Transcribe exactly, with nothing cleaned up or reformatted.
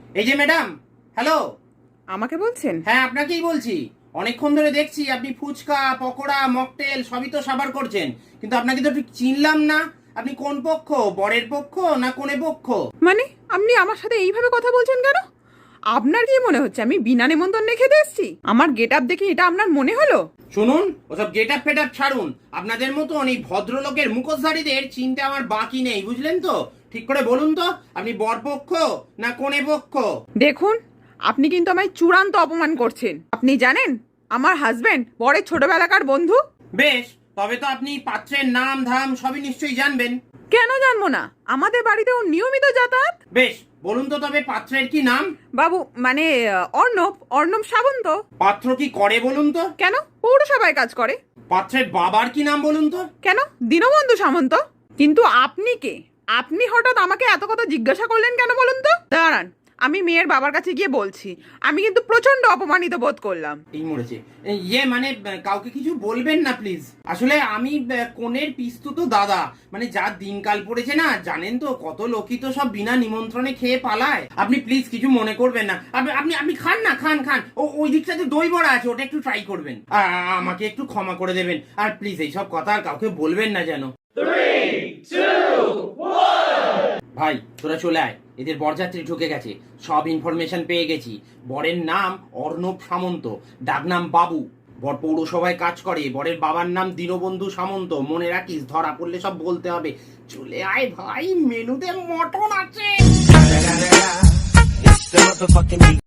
এই যে madam, hello. আমাকে বলছেন? হ্যাঁ, আপনাকেই বলছি। অনেকক্ষণ ধরে দেখছি আপনি ফুচকা, পকোড়া, মকটেল সবই তো সাবার করছেন, কিন্তু আপনাকে তো ঠিক চিনলাম না। আপনি কোন পক্ষ, বরের পক্ষ না কোনে পক্ষ? মানে আপনি আমার সাথে এইভাবে কথা বলছেন কেন? আপনার কি মনে হচ্ছে আমি বিনা নেমন্তন্নে খেতে এসেছি? আমার গেট আপ দেখে এটা আপনার মনে হলো? শুনুন, ওসব গেট আপ ফেট আপ ছাড়ুন। আপনাদের মতন এই ভদ্রলোকের মুখোশধারীদের চিনতে আমার বাকি নেই, বুঝলেন তো? ঠিক করে বলুন তো, আপনি বর পক্ষ না কোনে পক্ষ? দেখুন, আপনি কিন্তু আমায় চূড়ান্ত অপমান করছেন। আপনি জানেন আমার হাজবেন্ড বরের ছোটবেলাকার বন্ধু। বেশ, তবে তো আপনি পাত্রের নাম ধাম সবই নিশ্চয়ই জানবেন। কেন জানবো না? আমাদের বাড়িতে ও নিয়মিত যাতায়াত। বেশ, বলুন তো তবে পাত্রের কি নাম? বাবু মানে আহ, অর্ণব অর্ণব সাবন্ত। পাত্র কি করে বলুন তো? কেন? পৌরসভায় কাজ করে। পাত্রের বাবার কি নাম বলুন তো? কেন? দীনবন্ধু সামন্ত। কিন্তু আপনি কে? আপনি হঠাৎ আমাকে এত কথা জিজ্ঞাসা করলেন কেন বলুন তো? দাঁড়ান, আমি মেয়ের বাবার কাছে গিয়ে বলছি। আমি কিন্তু প্রচন্ড অপমানিত বোধ করলাম। এই মরেছে। ইয়ে মানে আহ, কাউকে কিছু বলবেন না প্লিজ। আসলে আমি আহ, কনের পিস্তু তো দাদা, মানে যা দিনকাল পড়েছে না, জানেন তো কত লোকই তো সব বিনা নিমন্ত্রণে খেয়ে পালায়। আপনি প্লিজ কিছু মনে করবেন না। আপনি আপনি আপনি খান না, খান খান। ও ওই দিকটাতে দই বড়া আছে, ওটা একটু ট্রাই করবেন। আ- আ- আমাকে একটু ক্ষমা করে দেবেন, আর প্লিজ এইসব কথা আর কাউকে বলবেন না যেন। ভাই তোরা চলে আয়, এদের বরযাত্রী ঢুকে গেছে। সব ইনফরমেশন পেয়ে গেছি। বরের নাম অর্ণব সামন্ত, ডাকনাম বাবু। বর পৌরসভায় কাজ করে। বরের বাবার নাম দীনবন্ধু সামন্ত। মনে রাখিস, ধরা পড়লে সব বলতে হবে। চলে আয় ভাই, মেনুতে মটন আছে।